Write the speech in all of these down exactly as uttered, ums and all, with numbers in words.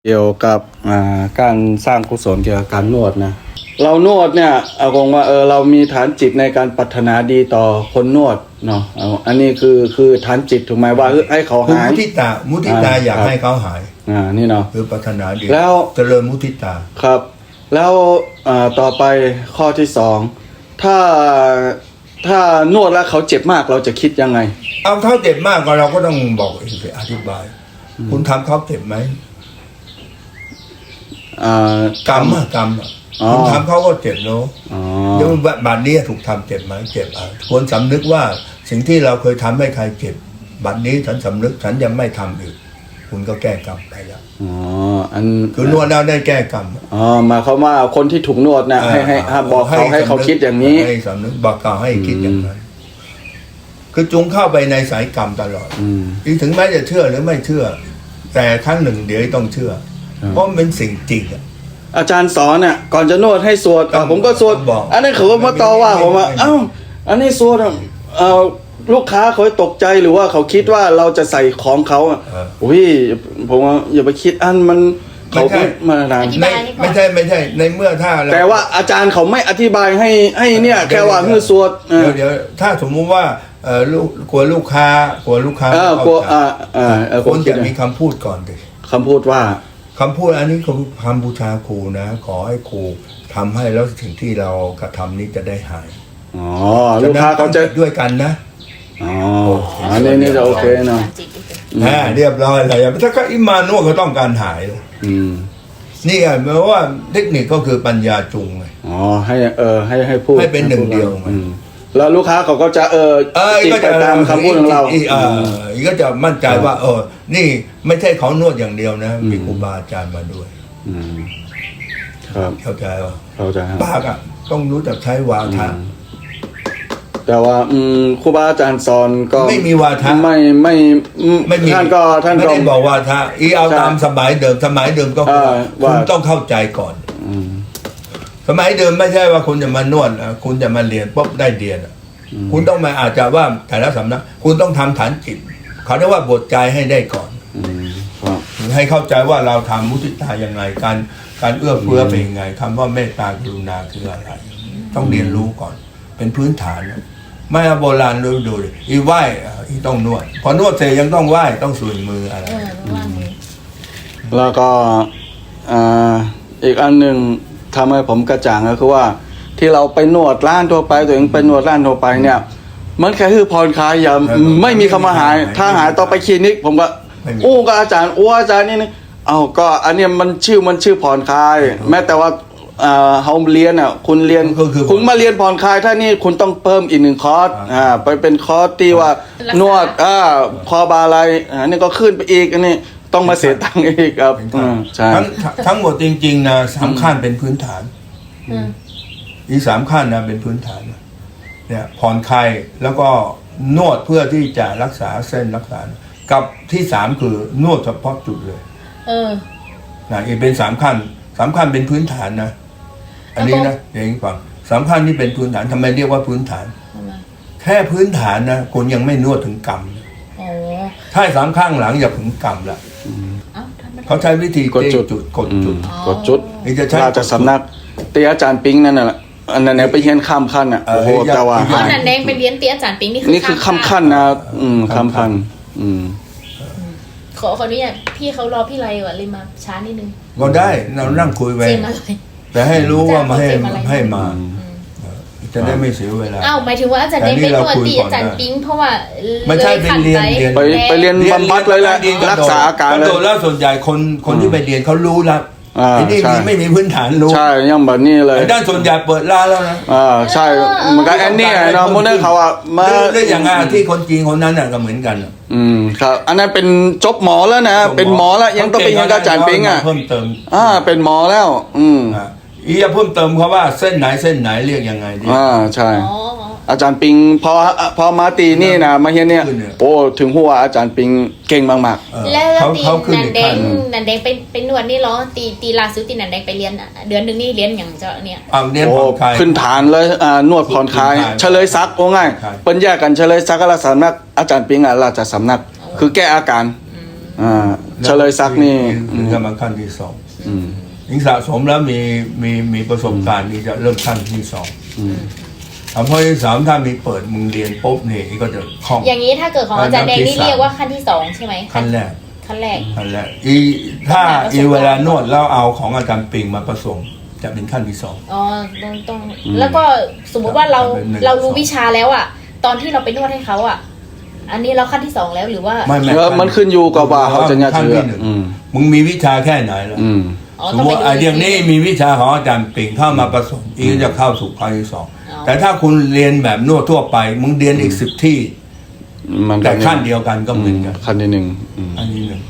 เกี่ยวกับการสร้างกุศลเกี่ยวกับการนวดนะเรานวดเนี่ยเอาคงว่าเออเรามีฐานจิตในการปรารถนาดีต่อคนนวดเนาะอันนี้คือคือฐานจิตถูกไหมว่าให้เขาหายมุทิตามุทิตาอยากให้เขาหายอ่านี่เนาะคือปรารถนาดีแล้วเจริญมุทิตาครับแล้วต่อไปข้อที่สองถ้าถ้านวดแล้วเขาเจ็บมากเราจะคิดยังไงเอาเขาเจ็บมากก็เราก็ต้องบอกอธิบายคุณทำเขาเจ็บไหมกรรมอะกรรมคุณทำเขาก็เจ็บเนาะเดี๋ยวบาดนี้ถูกทำเจ็บไหมเจ็บอ่ะควรสำนึกว่าสิ่งที่เราเคยทำให้ใครเจ็บบัดนี้ฉันสำนึกฉันยังไม่ทำอีกคุณก็แก้กรรมไปแล้วอ๋ออันคือนวดแล้วได้แก้กรรมอ๋อมาเขาว่าคนที่ถูกนวดนะให้ให้บอกเขาให้เขาคิดอย่างนี้ให้สำนึกบอกเขาให้คิดอย่างนั้นคือจุงเข้าไปในสายกรรมตลอดอีกถึงแม้จะเชื่อหรือไม่เชื่อแต่ครั้งหนึ่งเดี๋ยวต้องเชื่อเพราะมันเป็นสิ่งจริงอาจารย์สอนเนี่ยก่อนจะนวดให้สวดผมก็สวดอันนั้นเขาก็มาต่อว่าผมว่าเอ้าอันนี้สวดเอ่อลูกค้าเขาตกใจหรือว่าเขาคิดว่าเราจะใส่ของเขาอ่ะอุ้ยผมว่าอย่าไปคิดอันมันเขาไม่มานานไม่ใช่ไม่ใช่ในเมื่อถ้าแต่ว่าอาจารย์เขาไม่อธิบายให้ให้เนี่ยแค่ว่าเพื่อสวดเดี๋ยวเดี๋ยวถ้าสมมุติว่าเออลูกกลัวลูกค้ากลัวลูกค้าเออกลัวอ่าอ่าคนจะมีคำพูดก่อนดิคำพูดว่าคำพูดอันนี้คือคำบูชาครูนะขอให้ครูทำให้แล้วสิ่งที่เรากระทำนี้จะได้หายอ๋อลูกค้าเขาจะด้วยกันนะอ๋ออันนี้นี่จะโอเคเนาะอ่าเรียบร้อยเลยถ้าก็อิมานวดก็ต้องการหายอืมนี่ไงเพราะว่าเทคนิคก็คือปัญญาจุงไงอ๋อให้เออให้ให้พูดให้เป็นหนึ่งเดียวไงแล้วลูกค้าเขาก็จะเออจิตไปตามคำพูดของเราเออก็จะมั่นใจว่าเออนี่ไม่ใช่เขานวดอย่างเดียวนะมีครูบาอาจารย์มาด้วยครับเข้าใจป่ะเข้าใจปากอ่ะต้องรู้จักใช้วาทะแต่ว่าครูบาอาจารย์สอนก็ไม่มีวาทะไม่ไม่ไม่ท่านก็ท่านไม่ได้บอกวาทะอีเอาตามสมัยเดิมสมัยเดิมก็คุณต้องเข้าใจก่อนสมัยเดิมไม่ใช่ว่าคุณจะมานวดคุณจะมาเรียนปุ๊บได้เรียนคุณต้องมาอาจจะว่าแต่ละสำนักคุณต้องทำฐานจิตเขาเรียกว่าบทใจให้ได้ก่อนให้เข้าใจว่าเราทำมุทิตาอย่างไรการการเอื้อเฟื้อเป็นยังไงคำว่าเมตตากรุณาคืออะไรต้องเรียนรู้ก่อนเป็นพื้นฐานไม่โบราณดูดูอีไหว้อีต้องนวดพอนวดเสร็จยังต้องไหว้ต้องสูนมืออะไรแล้วก็อีกอันหนึ่งทำให้ผมกระจ่างก็คือว่าที่เราไปนวดร้านทั่วไปตัวเองไปนวดร้านทั่วไปเนี่ยมันแค่คือผ่อนคลายอย่าไม่มีคำว่าหายถ้าหายต่อไปคลินิกผมก็อู้กับอาจารย์อู้อาจารย์นี่นี่เอาก็อันนี้มันชื่อมันชื่อผ่อนคลายแม้แต่ว่าเขาเรียนอ่ะคุณเรียนคุณมาเรียนผ่อนคลายถ้านี่คุณต้องเพิ่มอีกหนึ่งคอร์สอ่าไปเป็นคอร์สที่ว่านวดอ่าคอบาอะไรอันนี้ก็ขึ้นไปอีกอันนี้ต้องมาเสียตังค์อีกครับใช่ทั้งทั้งหมดจริงๆนะสามขั้นเป็นพื้นฐานอีสามขั้นนะเป็นพื้นฐานเนี่ยผ่อนคลายแล้วก็นวดเพื่อที่จะรักษาเส้นรักษากับที่สามคือนวดเฉพาะจุดเลยเออนะอีกเป็นสามขั้นสามขั้นเป็นพื้นฐานนะอันนี้นะอย่างนี้ฟังสามขั้นนี่เป็นพื้นฐานทำไมเรียกว่าพื้นฐานแค่พื้นฐานนะคุณยังไม่นวดถึงกรรมถ้าสามข้างหลังอย่าถึงกรรมละเขาใช้วิธีกดจุดกดจุดกดจุดนี่จะใช้ราชสำนักเตียอาจารย์ปิ๊งนั่นน่ะอันนั้นเนี่ยไปเรียนข้ามขั้นอ่ะโอ้โหแต่ว่าอ๋อนันแดงไปเรียนเตียอาจารย์ปิ๊งนี่คือนี่คือข้ามขั้นนะอืมข้ามขั้นอืมขอขออนุญาตพี่เขารอพี่ไรว่ะเลยมาช้านิดนึงก็ได้เรานั่งคุยไปแต่ให้รู้ว่ามาให้ให้มาจะได้ไม่เสียเวลาอ้าวหมายถึงว่าอาจารย์เดงไปนวดตีอาจารย์ปิ๊งเพราะว่าไม่ใช่เป็นเรียนไปไปเรียนบำบัดเลยแหละรักษาอาการเลยแล้วส่วนใหญ่คนคนที่ไปเรียนเขารู้แล้วทีนี้มีไม่มีพื้นฐานรู้ใช่ยังแบบนี้เลยด้านส่วนใหญ่เปิดร้านแล้วนะอ่าใช่เหมือนกับแอนนี่เนาะโมเดลเขาอ่ะมาเรื่องอย่างงานที่คนจีนคนนั้นน่ะก็เหมือนกันอืมครับอันนั้นเป็นจบหมอแล้วนะเป็นหมอแล้วยังต้องเป็นยังอาจารย์ปิ๊งอ่ะเพิ่มเติมอ่าเป็นหมอแล้วอืมอีจะเพิ่มเติมเขาว่าเส้นไหนเส้นไหนเรียกยังไงดีอ่าใช่อาจารย์ปิงพอพอมาตีนี่นะมาเฮียเนี่ยโอ้ถึงหัวอาจารย์ปิงเก่งมากๆแล้วตีนันแดงนันแดงไปไปนวดนี่เหรอตีตีลาซุตีนันแดงไปเรียนเดือนหนึ่งนี่เรียนอย่างเจ้าเนี่ยเรียนผ่อนคลายขึ้นฐานเลยอ่านวดผ่อนคลายเฉลยซักโอ้ง่ายเปิ้นแยกกันเฉลยซักกับราชสำนักอาจารย์ปิงอ่ะราชสำนักคือแก้อาการอ่าเฉลยศักดิ์นี่ถึงจะมาขั้นที่สองอืมยิ่งสะสมแล้วมีมีมีประสบการณ์นี่จะเริ่มขั้นที่สองอืมอ่ะเพราะที่สามถ้ามีเปิดมึงเรียนปุ๊บนี่ก็จะคล่องอย่างนี้ถ้าเกิดของอาจารย์แดงนี่เรียกว่าขั้นที่สองใช่ไหมขั้นแรกขั้นแรกขั้นแรกอีถ้าอีเวลานวดแล้วเอาของอาจารย์ปิงมาผสมจะเป็นขั้นที่สองอ๋อต้องต้องแล้วก็สมมุติว่าเราเป็นหนึ่งเรารู้สองวิชาแล้วอ่ะ ตอนที่เราไปนวดให้เขาอ่ะ อันนี้เราขั้นที่สองแล้วหรือว่าไม่ไม่แล้วมันขึ้นอยู่กับว่าเขาจะเนี่ยขั้นเชื่อที่หนึ่งอืมมึงมีวิชาแค่ไหนแล้วอืมอ๋อสมต้องมไปติดูไอ้เรื่องนี้มีวิชาของอาจารย์ปิงเข้ามาผสมอีกก็จะเข้าสู่ขั้นที่สองอ๋อแต่ถ้าคุณเรียนแบบนวดทั่วไป มึงเรียนอีกสิบที่มันก็แต่ขั้นเดียวกันก็เหมือนกันขั้นที่หนึ่งอืมอันนี้หนึ่ง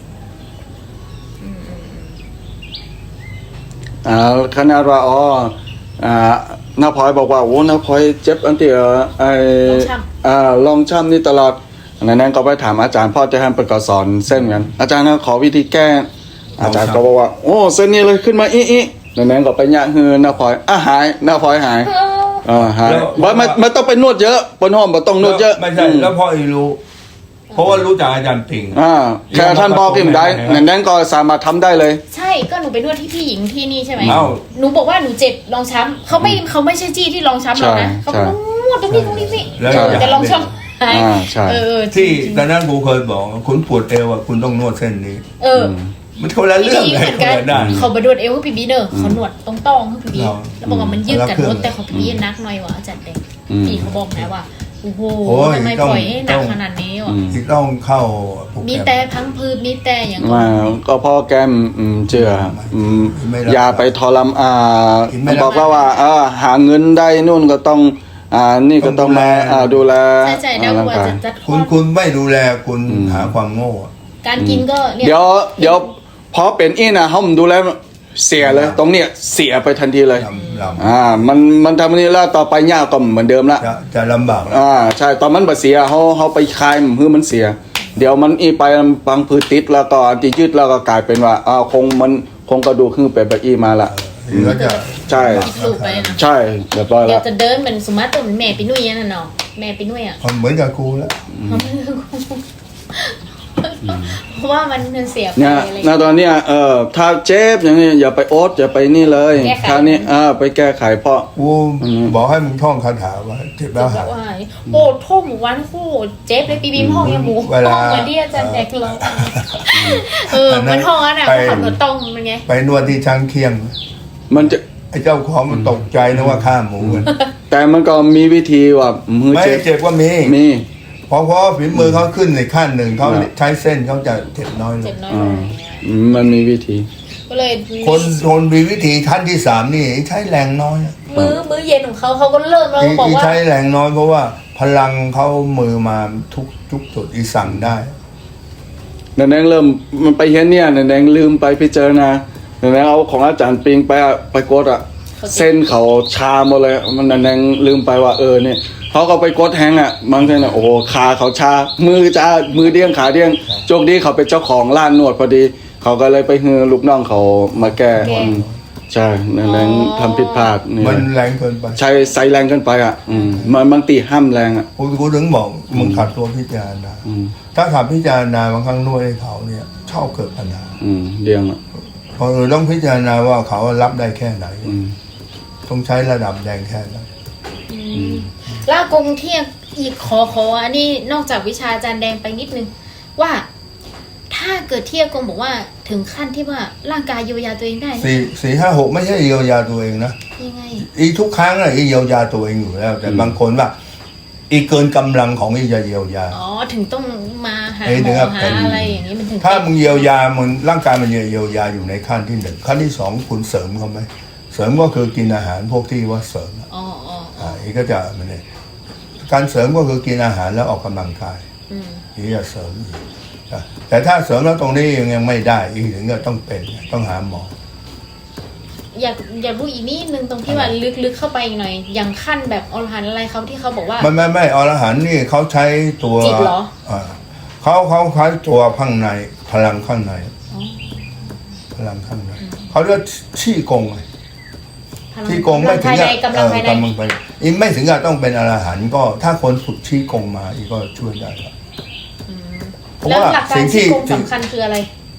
อ่าขนาดว่าอ๋ออ่าน้าพลอยบอกว่าโอ้น้าพลอยเจ็บอันที่เอ่อไอลองช้ำอ่าลองช้ำนี่ตลอดอันนั้นก็ไปถามอาจารย์พ่อจะให้เปิดก็สอนเส้นกัน อาจารย์นะขอวิธีแก้ อาจารย์ก็บอกว่า โอ้เส้นนี้เลยขึ้นมาอีอีอันนั้นก็ไปยะฮือน้าพลอยอ่ะหายน้าพลอยหายเออเออหายว่ามันมันต้องไปนวดเยอะบนห้องมันต้องนวดเยอะไม่ใช่อืมแล้วพ่ออีรู้ เพราะว่ารู้จักอาจารย์ปิงอ่าแค่ท่านบอกกิมได้นั่นนั้นก็สามารถทำได้เลยใช่ก็หนูไปนวดที่พี่หญิงที่นี่ใช่ไหมเอ้าหนูบอกว่าหนูเจ็บรองช้ำเขาไม่เขาไม่ใช่จี้ที่รองช้ำเรานะเขาบอกนวดตรงนี้ตรงนี้สิแล้วใช่แต่รองช้ำหายอ่าใช่เออที่ตอนนั้นกูเคยบอกคุณปวดเอวอ่ะคุณต้องนวดเส้นนี้เออมันคนละพี่เรื่องหญิงเลเหยมือนคนกันละด้านเขาไปนวดเอวให้พี่บีเนอร์เขานวดตรงต้องให้พี่บีเราแล้วบอกว่ามันยืดกันเราเครื่นองวดแต่ของพี่บีนักหน่อยว่ะอาจารย์เด็กอืมพี่เขาบอกนะว่าโอ้โหโอ้ยทำไมต้องปล่อยให้หนัต้กองขนาดนี้วะอืมที่ต้องเข้าโปรแกรมีแต่พังพืชมีแต่อย่างมาก็พ่อแกมอืมเจืออืมไม่รับอย่าไปทรมอ่าไม่รับบอกว่าว่าเออหาเงินได้นู่นก็ต้อง อ่านี่ก็ต้องมาอ่าดูแลใช่ใช่ดาวร่างวัวกายจะจัดคุณคุณไม่ดูแลคุณหาความโง่อะการกินก็เนี่ยเดี๋ยวเดี๋ยวพอเป็นอีนะเขาดูแลเสียเลย ตรงเนี้ยเสียไปทันทีเลยลำลอ่ามันมันทำอันนี้แล้วต่อไปยากก็เหมือนเดิมละำจะจะลำบากแล้วอ่าใช่ตอนมันบ่เสียเขาเขาไปคลายมันคือมันเสีย เดี๋ยวมันอีไปบางพืชติดแล้วก็อันที่ยืดแล้วก็กลายเป็นว่าอ่าคงมันคงกระดูกขึ้นไปแบบอีมาละหรือว่าจะใช่คิดลูกไปนะใช่เรียบร้อยเดี๋ยแล้ว วจะเดินเหมือนสมมติตัวเหมือนแม่ปีนุ่ยนั่นเนาะแม่ปีนุ่ยอ่ะเหมือนกับกูแล้วเพราะว่ามันเสียไปเนี่ยอะไรณตอนเนี้ยเออถ้าเจ็บอย่างนี้อย่าไปโอ๊ตอย่าไปนี่เลยแก้ไขคราวนี้อ่าไปแก้ไขเพราะกูบอกให้มึงท่องคาถาว่าเจ็บแล้วหายว่าโอ้โทษหมูวันโอ้เจ็บเลยปีบีมห้องยังหมูเวลาห้องเหมือนที่อาจารย์แดกเราเออมันห้องนั้นอ่ะไปขับรถตรงมันไงไปนวดที่ช้างเคียงมันจะไอ้เจ้าของมันตกใจนะว่าฆ่าหมูกันแต่มันก็มีวิธีว่ามือไม่เจ็บเจ็บก็มีมีเพราะเพราะฝีมือเขาขึ้นในขั้นหนึ่งเขาอ่าใช้เส้นเขาจะเจ็บน้อยลเจ็งบน้อยลงอย่างเงี้ยอืมมันมีวิธีก็เลยคนคนมีวิธีขั้นที่สามนี่ใช้แรงน้อยมื้อมื้อเย็นของเขาเขาก็เริ่มแล้วอีบอกอีว่าใช้แรงน้อยเพราะว่าพลังเขามือมาทุกทุกจุดอีสั่งได้นันแดงเริ่มมันไปเห็นเนี่ยนันแดงลืมไปพิจารณานันแดงเอาของอาจารย์ปิงไปอะไปกดอ่ะ เส้นเขาชาหมดเลย มันนันแดงลืมไปว่าเออเนี่ยเขาก็ไปกดแฮงอ่ะบางทีน่ะโอ้โหขาเขาชา มือจ้ามือเดี้ยงขาเดี้ยงโชคดีเขาเป็นเจ้าของร้านนวดพอดี เขาก็เลยไปฮือลูกน้องเขามาแก้อืมใช่นันแดงทำผิดพลาดนี่มันแรงเกินไปใช้ใส่แรงเกินไปอ่ะ อืมมันบางตีห้ามแรงอ่ะกูกูถึงบอกมึงขัดตัวพิจารณาอืมถ้าขัดพิจารณาบางครั้งนวดให้เขาเนี่ยชอบเกิดปัญหาอืมเดียงอ่ะเพราะเออต้องพิจารณาว่าเขารับได้แค่ไหนอืมต้องใช้ระดับแรงแค่ไหนแลวกงเทียบอีกขอขออันนี้นอกจากวิชาอาจารย์แดงไปนิดนึงว่า ถ้าเกิดเทียบกงบอกว่าถึงขั้นที่ว่าร่างกายเยียวยาตัวเองได้นะสี่สี่ห้าหกไม่ใช่เยียวยาตัวเองนะยังไงอีทุกครั้งอะอีเยียวยาตัวเองอยู่แล้ว แต่บางคนว่า อีเกินกำลังของอีจะเยียวยาอ๋อถึงต้องมาหาไอ้หมเนื้ออหาเป็นอะไรอย่างนี้มันถึงถ้ามึงเยียวยามันร่างกายมันเยียวยาอยู่ในขั้นที่หนึ่งขั้นที่สองคุณเสริมเขาไหมเสริมก็คือกินอาหารพวกที่ว่าเสริมอะอ๋ออ๋ออ๋ออ่าอีก็จะมันเนี่ยการเสริมก็คือกินอาหารแล้วออกกำลังกายอืมอีจะเสริมอีกอ่ะแต่ถ้าเสริมแล้วตรงนี้ยังยังไม่ได้อีกถึงก็ต้องเป็นต้องหาหมออยากอยากรู้อีกนิดนึงตรงที่ว่าลึกๆเข้าไปอีกหน่อย อย่างขั้นแบบอรหันต์อะไรเขาที่เขาบอกว่าไม่ไม่ไม่อรหันต์นี่เขาใช้ตัวจิตเหรออ่าเขาเขาใช้ตัวข้างในพลังข้างในอ๋อพลังข้างในเขาเรียกชี่กงไงพลังชี่กงไม่ถึภาง ยในกับกำลังภายในเออกำลังภายในอีไม่ถึงกับต้องเป็นอรหันต์ก็ถ้าคนฝึกชี่กงมาอีก็ช่วยได้ครับอืมเพราะแล้วว่าหลักกาสิ่รงที่ชี้โกงสำคัญคืออะไร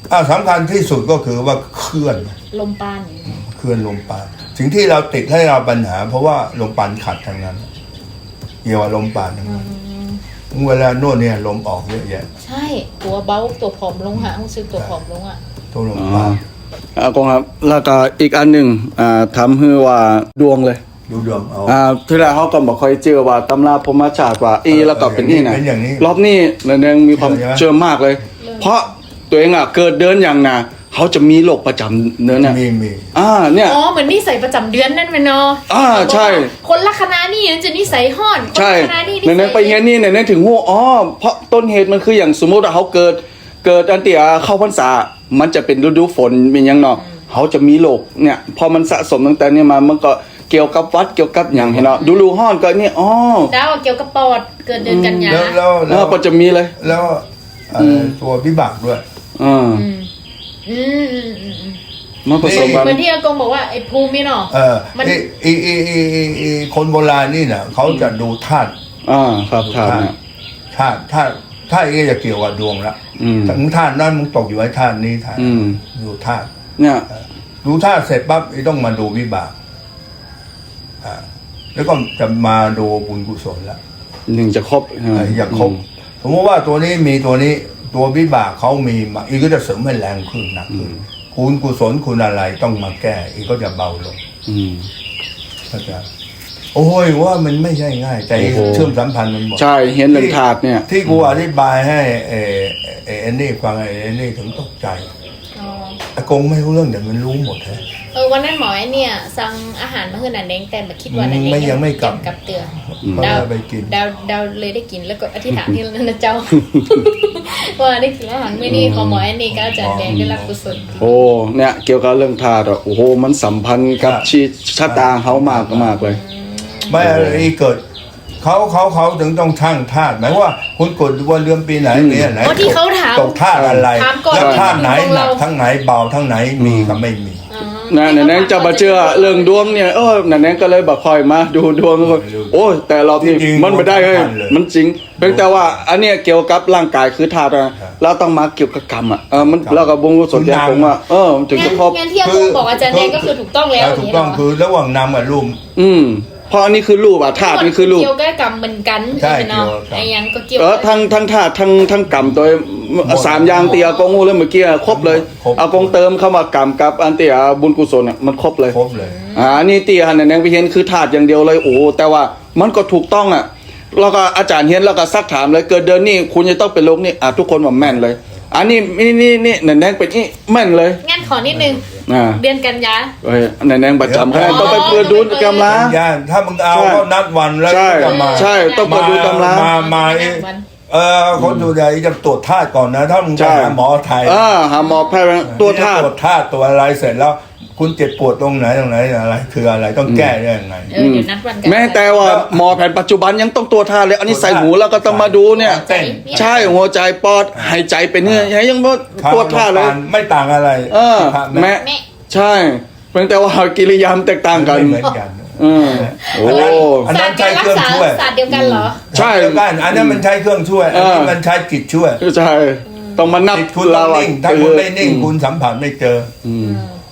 อ่าสำคัญที่สุดก็คือว่าเคลื่อนลมปานเคลื่อนลมปานสิ่งที่เราติดให้เราปัญหา เพราะว่าลมปานขัดทางนั้นเกี่ยวกับลมปานทั้งนั้นเวลานวดเนี่ยลมออกเยอะแยะใช่ตัวเบ้าตัวผอมลงหารู้สึกตัวผอมลงอ่ะตัวลมอ๋อปานอากงครับแล้วก็อีกอันหนึ่งอ่าทำให้ว่าดวงเลยดูดวงเอาอ่าที่แรกเขาก็บอกค่อยเจอว่าตำราพรหมชาติว่าอีแล้วก็เป็นนี่นะเป็นอย่างนี้รอบนี้เนยมีความใช่ไหมเชื่อมากเลย เพราะตัวเองอ่ะเกิดเดินอย่างน่ะเขาจะมีโรคประจำเนื้อเนี่ยมีมีอ่าเนี่ยอ๋อเหมือนนิสัยประจำเดือนนั่นไหมเนาะอ่าใช่คนละคณะนี่จะนิสัยห้อนคนใช่ละคณะนี่นิในสัยนั้นไปเงี้ยนี่ในนั้นถึงหัวอ๋อเพราะต้นเหตุมันคืออย่างสมมติว่าเขาเกิดเกิดอันเตียเข้าพรรษามันจะเป็นฤดูฝนเป็นอยังเนาะเขาจะมีโรคเนี่ยพอมันสะสมตั้งแต่เนี่ยมามันก็เกี่ยวกับวัดเกี่ยวกับอย่างเห็นเนาะดูรูห้อนก็เนี่ยอ๋อดาวเกี่ยวกับปอดเกิดเดือนกันยาแล้วแล้วแล้แล้ววก็จะมีเลยแล้วเอ่อตัววิบากด้วยอ่าอืมอืมอืมอืมอืมมาผสมกันเหมือนที่อากงบอกว่าไอ้ภูมิเนาะเออมันไอไอไอไอ้ไอ้ไอ้คนโบราณนี่น่ะเขาจะดูธาตุอ่าครับทานเนี่ยธาตุธาตุธาตุนี้จะเกี่ยวกับดวงละอืมถึงธาตุนั้นมึงตกอยู่ไอ้ธาตุนี้ธาตุอืมดูธาตุเนี่ยดูธาตุเสร็จปั๊บไอ้ต้องมาดูวิบากอ่าแล้วก็จะมาดูบุญกุศลละหนึ่งจะครบเอ่ออย่างครบสมมติว่าตัวนี้มีตัวนี้ตัววิบากเขามีมาอีกก็จะเสริมให้แรงขึ้นหนักขึ้นคุณกุศลคุณอะไรต้องมาแก้อีกก็จะเบาลงอืมเข้าใจโอ้ยว่ามันไม่ใช่ง่าย แต่โอ้โหเชื่อมสัมพันธ์มันหมดใช่เห็นเรื่องถาดเนี่ยที่กูอธิบายให้เออเออเอ็นนี่ฟังไอ้เอ็นนี่ถึงตกใจอ๋ออากงไม่รู้เรื่องแต่มันรู้หมดฮะเออวันนั้นหมอไอ้เนี่ยสั่งอาหารมาให้นันเด้งแต่มาคิดว่านันเด้งไม่ยังไม่กลับกับเตือนเพราะดาวว่าไปกินดาวดาวเลยได้กินแล้วก็อธิษฐานที่นั่นนะเจ้า ว่าได้กินอาหารมื้อนี้ของหมอไอ้นี่ก็อาจารย์แดงได้รับกุศลโอ้เนี่ยเกี่ยวกับเรื่องธาตุอะโอ้โหมันสัมพันธ์กับชีวิตชะตาเขามากมากเลยไม่อะไรเกิดเขาเขาเขาถึงต้องช่างธาตุหมายว่าคุณกดวันเดือนปีไหนเนี่ยไหนเพราะที่เขาถามตกธาตุอะไรถามก่อนแล้วธาตุไหนที่หนักเราทั้งไหนเบาทั้งไหนมีกับไม่มีอ๋อนะนั่นนั้นจะมาเชื่อเรื่องดวงเนี่ยเออนั่นนั้นก็เลยบอกคอยมาดูดวงแล้วก็โอ้ยแต่รอบนี้จริงๆมันไม่ได้เลยสำคัญเลยมันจริงเพียงแต่ว่าอันเนี้ยเกี่ยวกับร่างกายคือธาตุนะเราต้องมาเกี่ยวกับกรรมอ่ะเออมันเรากับบุญกุศลอย่างผมว่าเออมันถึงงั้จะนครบงั้นที่อากงบอกอาจารย์แดงก็คือถูกต้องแล้วถูกต้องย่าคือระหว่างนามกับรูปอืมเพราะอันนี้คือรูปอ่ะธาตุนี่คือรูปเกี่ยวกับกรรมเหมือนกันใช่เนาะเกี่ยวกับกรรมไอ้ยังก็เกี่ยวเออทั้งทั้งธาตุทั้งทั้งกรรมตัวสามอย่างเตียอากงงูเลยเมื่อกี้ครบเลยครบอากงเติมเข้ามากรรมกับอันเตียบุญกุศลเนี่ยมันครบเลยครบเลยอ่านี่เตียหันแนงไปเห็นคือถาดอย่างเดียวเลยโอ้แต่ว่ามันก็ถูกต้องอ่ะแล้วก็อาจารย์เห็นแล้วก็ซักถามเลยเกิดเดือนนี้คุณจะต้องเป็นโรคนี้อ่ะทุกคนบอกแม่นเลย อันนี้นี่นี่นี่แนงเป็นนี่แม่นเลยงั้นขอนิดนึงอ่าเดือนกันยาเฮ้ยแนงประจำเดี๋ยวแค่ต้องไปเปิดดูกำลังย่านถ้ามึงเอาใช่ก็นัดวันแล้วใช่ก็มาใช่ต้องเปิดดูตำรามามาเอ๊ะเออคนดูใหญ่จะตรวจธาตุก่อนนะ ถ้ามึงไปใช่หาหมอไทยอ่าหาหมอแพทย์ตัวธาตุตรวจธาตุตัวอะไรเสร็จแล้ว คุณเจ็บปวดตรงไหนตรงไหนอะไร คืออะไรต้องแก้ได้ยังไงเออเดี๋ยวนัดวันกันแม้แต่ว่าหมอแผนปัจจุบันยังต้องตัวธาตุเลยอันนี้ใส่หูแล้วก็ต้องมาดูเนี่ยเต้นใช่หัวใจปอดหายใจเป็นเนี่ยยังว่าตัวธาตุเลยไม่ต่างอะไรเออพระแม่แม่ใช่เพียงแต่ว่ากิริยามแตกต่างกันไม่เหมือนกันอืมโอ้อันนั้นใช้ศาสตร์เครื่องช่วยศาสตร์เดียวกันเหรอใช่เดียวกันอันนั้นมันใช้เครื่องช่วย อันนี้เออมันใช้จิตช่วยใช่ต้องมานับจิตคุณต้องนิ่งถ้าคุณไม่นิ่งคุณสัมผัสไม่เจออืม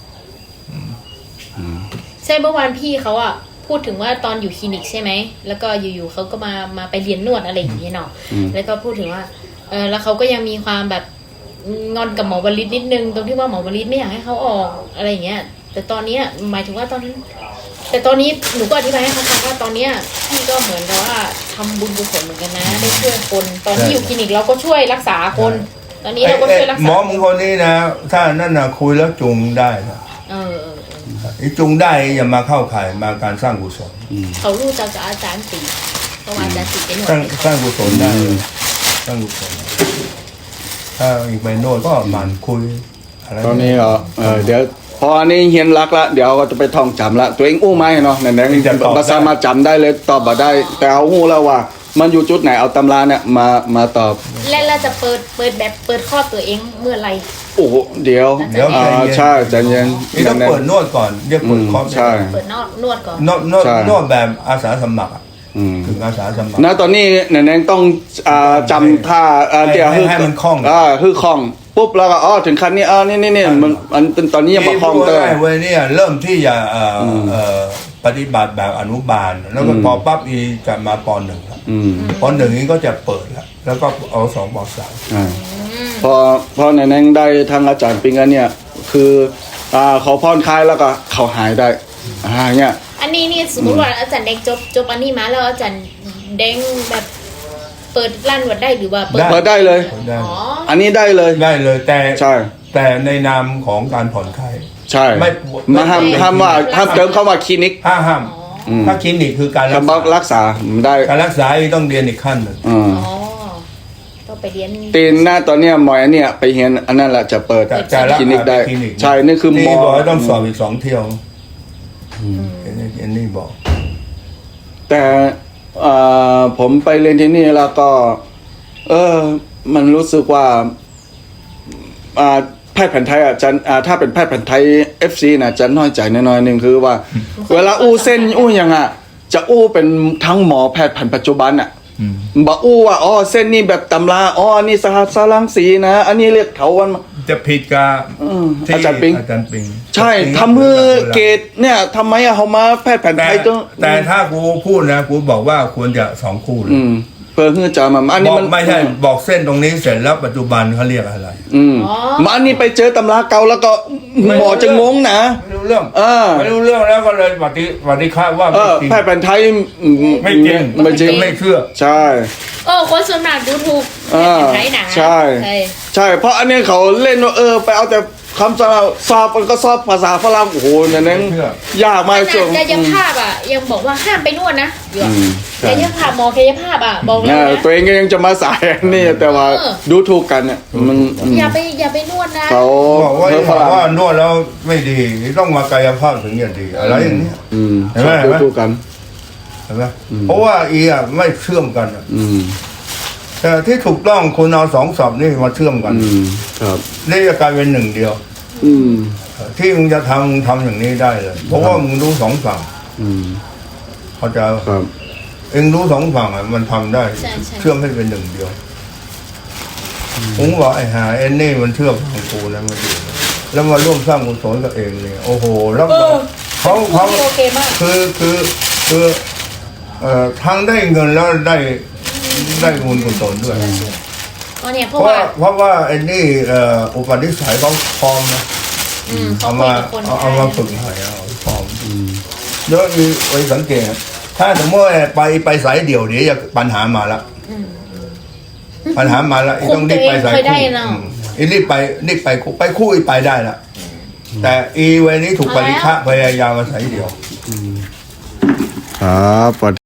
ใช่เมื่อวานพี่เขาอะพูดถึงว่าตอนอยู่คลินิกใช่ไหมแล้วก็อยู่ๆเขาก็มามาไปเรียนนวดอะไรอย่างเงี้ยเนาะอืมแล้วก็พูดถึงว่าเออแล้วเขาก็ยังมีความแบบงอนกับหมอวลิตนิดนึงตรงที่ว่าหมอวลิตไม่อยากให้เขาออกอะไรอย่างเงี้ย แต่ตอนเนี้ยหมายถึงว่าตอนนั้น แต่ตอนนี้หนูก็อธิบายให้เขาฟังว่าตอนเนี้ยพี่ก็เหมือนกับว่าทำบุญกุศลเหมือนกันนะ ได้ช่วยคน ตอนที่อยู่คลินิกเราก็ช่วยรักษาคน ตอนนี้เราก็ช่วยรักหมษาอมึงคนนี้นะ ถ้านั่นนะคุยแล้วจูงได้นะเออเออเออไอ้จูงได้อย่ามาเข้าข่ายมาการสร้างกุศลเขารู้จักกับอาจารย์ตีเพราะว่าอาจารย์ตีเป็นหน่วสร้างยสร้างกุศลได้เลยสร้างกุศลถ้าอีกไปโน่นก็หมันคุยอะไรตอนนี้เหรอเออเดี๋ยวพออันนี้เฮียนรักละเดี๋ยวก็จะไปท่องจำละตัวเองอู้ไหมเนาะไหนๆภาษามาจำได้เลยตอบมาได้ แต่เอาหู้แล้วว่า มันอยู่จุดไหนเอาตำราเนี่ยมามาตอบและเราจะเปิดเปิดแบบเปิดข้อตัวเองเมื่อไหรโอ้โหเดี๋ยวเดี๋ยวอ่าใช่ใจเย็นนี่ต้องเปิดนวดก่อนเรียกเปิดคอร์สใช่เปิดนวดนวดก่อนนวดนวดใช่นวดแบบอาสาสมัครอะอืมถึงอาสาสมัครนะตอนนี้ไหนๆต้องอ่าจำท่าอ่าให้เดี๋ยวให้ให้มันคล่องอ่าคือคล่องปุ๊บแล้วก็อ๋อถึงขั้นนี้อ๋อนี่นี่นี่มันมันเป็นตอนนี้ยังมาคลองเตอร์ได้เว้ยเนี่ยเริ่มที่จะเอ่ออเอ่อปฏิบัติแบบอนุบาล แล้วก็พอปั๊บอีจะมาปหนึ่งแล้วอืมปหนึ่งนี้ก็จะเปิดแล้วแล้วก็เอาสองปสามอ่าพอพอในนั้นได้ทางอาจารย์ปิงอันเนี่ยคืออ่าเขาผ่อนคลายแล้วก็เขาหายได้อ่าเงี้ยอันนี้นี่สมมติว่าอาจารย์แดงจบจบอันนี้มาแล้วอาจารย์แดงแบบเปิดร้านนวดได้หรือว่าเปิดเปิดได้เลยได้อ๋ออันนี้ได้เลยได้เลยแต่ใช่แต่ในนามของการผ่อนคลายใช่ไม่มาห้ามไม่ห้ามว่าห้ามเติมเข้ามาคลินิกห้ามห้ามอืมถ้าคลินิกคือการรักคำว่าษารักษาได้การรักษาต้องเรียนอีกขั้นหนึ่งอืมอ๋อต้องไปเรียนตีนหน้าตอนเนี้ยหมออันเนี่ยไปเห็นอันนั้นแหละจะเปิดจะจะรักคลินิกษาได้คลินิกใช่นี่คือหมนี่อบอกว่าต้องสอบอีกสองเที่ยวอันนี้อันนี้บอกแต่เอ่อผมไปเรียนที่นี่แล้วก็ เออ มันรู้สึกว่าอ่าแพทย์แผนไทยอ่ะจันอ่าถ้าเป็นแพทย์แผนไทย เอฟ ซี นะจะน้อยใจน้อยๆหนึ่งคือว่า เวลาอู้เส้นอู้ยังอ่ะ จะอู้เป็นทั้งหมอแพทย์แผนปัจจุบันอ่ะอืมบอกอู้ว่าอ๋อเส้นนี้แบบตำราอ๋ออันนี้สหัสลังสีนะ อันนี้เรียกเถาวันจะผิดกับอืมที่อาจารย์ปิงอาจารย์ปิงใช่ทำมือเกตเนี่ยทำไมอะเขามาแพทย์แผนแต่ไทยต้องแต่ถ้ากูพูดนะกูบอกว่าควรจะสองคู่เลยอืมเพื่อให้จะมาอันบนี้อกมันไม่ใช่บอกเส้นตรงนี้เสร็จแล้วปัจจุบันเขาเรียกอะไรอืมอ๋อมาอันนี้ไปเจอตำราเก่าแล้วก็หมอจะงงนะไม่รู้เรื่องเออไม่รู้เรื่องแล้วก็เลยปฏิปฏิฆาว่าเอไม่อจริงแพทย์แผนไทยอืไม่จริงไม่จริงไม่เชื่อใช่เออคนส่วนมากดูถูกเออแผ่นไทยหนาใช่ใช่ใช่ เพราะอันนี้เขาเล่นว่าเออ ไปเอาแต่คำสาสอบมันก็สอบภาษาฝรั่งโอ้โหเนี่ยนั่นไม่เชื่อยากมากขช่วงนาดกายภาพอ่ะยังบอกว่าห้ามไปนวดนะอยู่อะอืมใช่กายภาพหมอกายภาพอ่ะบอกเลยเนี่ยนะตัวเองก็ยังจะมาสายอันนี่แต่ว่าเออดูถูกกันเนี่ยมันอืมอย่าไปอย่าไปนวดนะเขาบอกว่าเพ้อบฝอกรั่งว่านวดแล้วไม่ดีต้องมากายภาพถึงจะดีอะไรอย่างเนี้ยอืมเห็นไหมชอบดูถูกกันเห็นไหมเพราะว่าอีอ่ะไม่เชื่อมกันอะอืมแต่ที่ถูกต้องคุณเอาสองสอบนี่มาเชื่อมกันอืมครับนี่จะกลายเป็นหนึ่งเดียวอืมที่มึงจะทำมึงทำอย่างนี้ได้เลย เพราะว่ามึงรู้สองฝั่งอืมเขาใจะครับเองรู้สองฝั่งอ่ะมันทำได้ใช่ใช่เชื่อมให้เป็นหนึ่งเดียวผมบอกไอ้หาเอ็นนี่มันเชื่อมฝั่งกูแล้วมาดูแล้วมาร่วมสร้างกุศลกับเองเนี่ยโอ้โหแล้วเออเขาเขาโอเคมากคือคือคือเอ่อทั้งได้เงินแล้วได้ได้บุญกุศลด้วยอ๋อเนี่ยเพเพราะราะว่าว่าเพราะว่าไอ้นี่เอ่ออุปนิสัยเขาพร้อมนะอืมเขาเอาคุยมากับคนเอาเอาได้มาฝึกให้เอาพร้อมเยอะมีไปสังเกต ถ้าสมมติว่าไปไปสายเดี่ยวเดี๋ยวจะปัญหามาละอืมปัญหามาละอีต้องรีบไปสายคุมตัวเองเคยได้คู่เนอะอืมอีรีบไปรีบไปคู่ไปคู่อีไปได้ละแต่อีเวนี้ถูกปริฆะพยายามมาสายเดี่ยวครับ